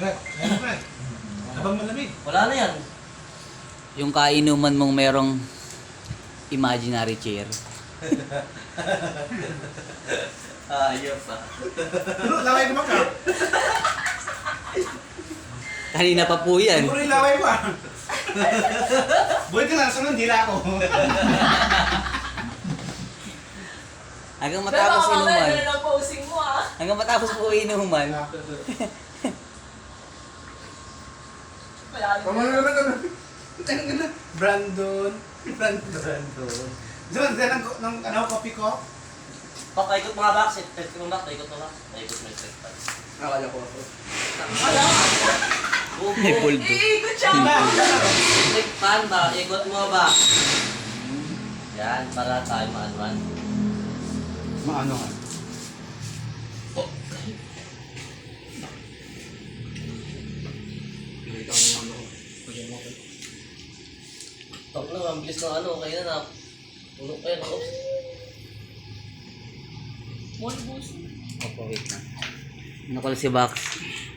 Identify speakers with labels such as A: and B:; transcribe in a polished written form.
A: Fred, ayun Fred. Habang malamig.
B: Wala na yan.
C: Yung kainuman mong merong imaginary chair.
B: Ayop pa.
A: Pero laway ko maka.
C: Kanina pa po yan.
A: Siguro yung laway ko ah. Buhay ka na, sunod dila ako.
C: Hanggang
D: Pero
C: matapos
D: baka mamaya
C: inuman.
D: ganun ang posing mo ah.
C: Hanggang matapos po inuman.
D: Wala
A: Pamalo naman kami. Brandon. Brandon. Diyan, diyan ng ano, kopi ko.
B: Pak, paikot mga box. Test mo box, paikot mo box. Paikot mo yung straight pan.
A: Akala ko ako.
D: Wala.
C: May puldo.
D: Iikot siya.
B: Straight pan ba? Ikot mo ba? Yan, para tayo maanuan.
A: Maano nga.
B: Tok na, ang bilis ng ano, kaya na. Tulog kayo na, oops.
D: One puso.
C: Opo, wait na. Nakul si Box.